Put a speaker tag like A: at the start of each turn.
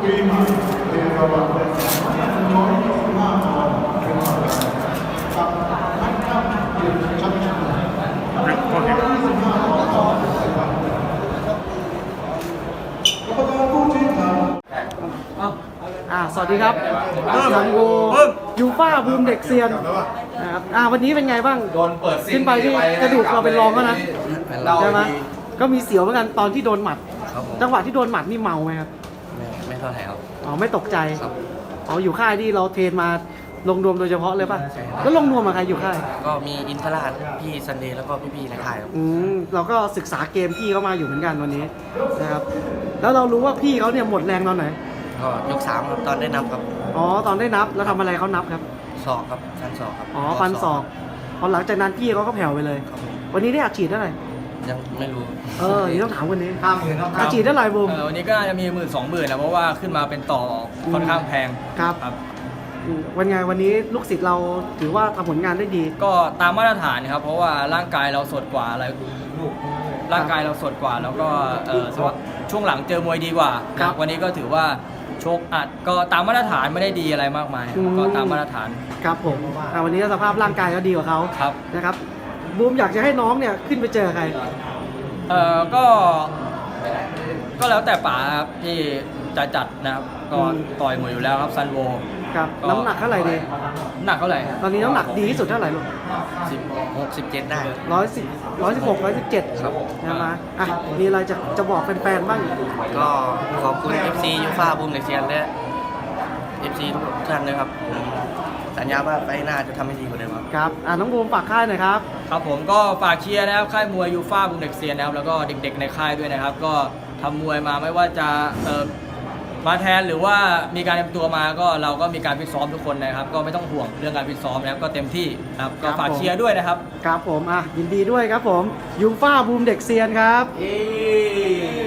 A: สวัสดีครับซันโวยูฟ่าบูมเด็กเซียนนะครับวันนี้เป็นไงบ้างขึ้นไปที่กระดูกเราเป็นรองก็นะใช่ไหมก็มีเสียวเหมือนกันตอนที่โดนหมัดจังหวะที่โดนหมัดนี่เมาไหมครับ
B: ไม่เท่าไหร่ครับ
A: ไม่ตกใจอยู่ค่ายที่เราเทรนมาลงนวมโดยเฉพาะเลยป่ะแล้วลงนวมกับใครอยู่ค่าย
B: ก็มีอินทราชพี่ซันเดย์แล้วก็พี่ๆในค่ายครับ
A: เราก็ศึกษาเกมพี่เขามาอยู่เหมือนกันวันนี้นะครับแล้วเรารู้ว่าพี่เขาเนี่ยหมดแรงตอนไหน
B: ก็ยก3ครับตอนได้นับครับ
A: ตอนได้นับแล้วทำอะไรเขานับครับ
B: ศอกครับฟันศอกครับ
A: ฟันศอกพอหลังจากนั้นพี่เขาก็แผ่วไปเลยวันนี้ได้อัดฉีดเท่าไหร่
B: ยังไม่รู้
A: นี่ต้องถามวันนี้อัดฉีดเท่าไหร่บูม
C: วันนี้ก็จะมี10,000-20,000แล้วเพราะว่าขึ้นมาเป็นต่อค่อนข้างแพง
A: ครับวันนี้ลูกศิษย์เราถือว่าทำผลงานได้ดี
C: ก็ตามมาตรฐานครับเพราะว่าร่างกายเราสดกว่าอะไรร่างกายเราสดกว่าแล้วก็ช่วงหลังเจอมวยดีกว่าวันนี้ก็ถือว่าโชคอัดก็ตามมาตรฐานไม่ได้ดีอะไรมากมายก็ตามมาตรฐาน
A: ครับผมวันนี้สภาพร่างกายก็ดีกว่าเขา
C: ครับ
A: นะครับบูมอยากจะให้น้องเนี่ยขึ้นไปเจอใคร
C: ก็แล้วแต่ป๋าครับที่จะจัดนะครับก็ต่อยมวยอยู่แล้วครับซันโว
A: ครับน้ำหนักเท่าไหร่ดี
C: หนักเท่าไหร่
A: ตอนนี้น้ำหนักดีที่สุดเท่าไหร่ลูก
B: 16-17ได้
A: 116-117ครับนะมีอะไรจะบอกแฟนๆบ้าง
B: ก็ขอบคุณ FC ยูฟ่าบูมเด็กเซียนและ FC ทุกท่านเลยครับสัญญาว่าไปหน้าจะทำให้ดีกว่าเดิม
A: ครับน้องบูมฝากค่ายหน่อยครับ
C: ครับผมก็ฝากเชียร์นะครับค่ายมวยยูฟ่าบูมเด็กเซียนนะครับแล้วก็เด็กๆในค่ายด้วยนะครับก็ทำมวยมาไม่ว่าจะมาแทนหรือว่ามีการเตรียมตัวมาก็เราก็มีการฟิตซ้อมทุกคนนะครับก็ไม่ต้องห่วงเรื่องการฟิตซ้อมนะครับก็เต็มที่ครับก็ฝากเชียร์ด้วยนะครับ
A: ครับผมยินดีด้วยครับผมยูฟ่าบูมเด็กเซียนครับ